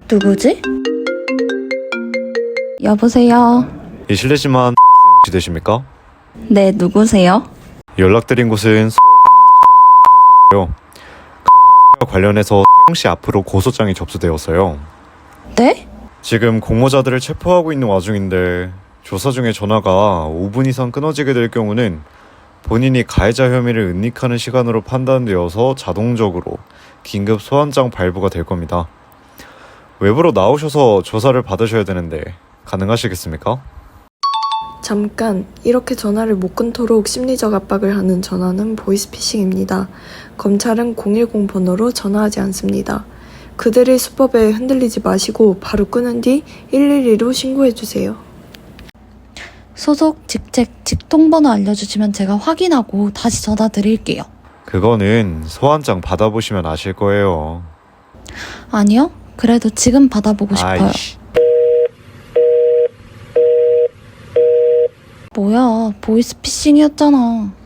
누구지? 여보세요? 이 실례지만 혹시 되십니까? 네, 누구세요? 연락드린 곳은 서울중앙지검경찰서고요. 가상화폐와 관련해서 세용씨 앞으로 고소장이 접수되었어요. 네? 지금 공모자들을 체포하고 있는 와중인데 조사 중에 전화가 5분 이상 끊어지게 될 경우는 본인이 가해자 혐의를 은닉하는 시간으로 판단되어서 자동적으로 긴급 소환장 발부가 될 겁니다. 외부로 나오셔서 조사를 받으셔야 되는데 가능하시겠습니까? 잠깐, 이렇게 전화를 못 끊도록 심리적 압박을 하는 전화는 보이스피싱입니다. 검찰은 010 번호로 전화하지 않습니다. 그들의 수법에 흔들리지 마시고 바로 끊은 뒤 112로 신고해주세요. 소속, 직책, 직통번호 알려주시면 제가 확인하고 다시 전화 드릴게요. 그거는 소환장 받아보시면 아실 거예요. 아니요? 그래도 지금 받아보고 싶어요. 아이씨. 뭐야, 보이스피싱이었잖아.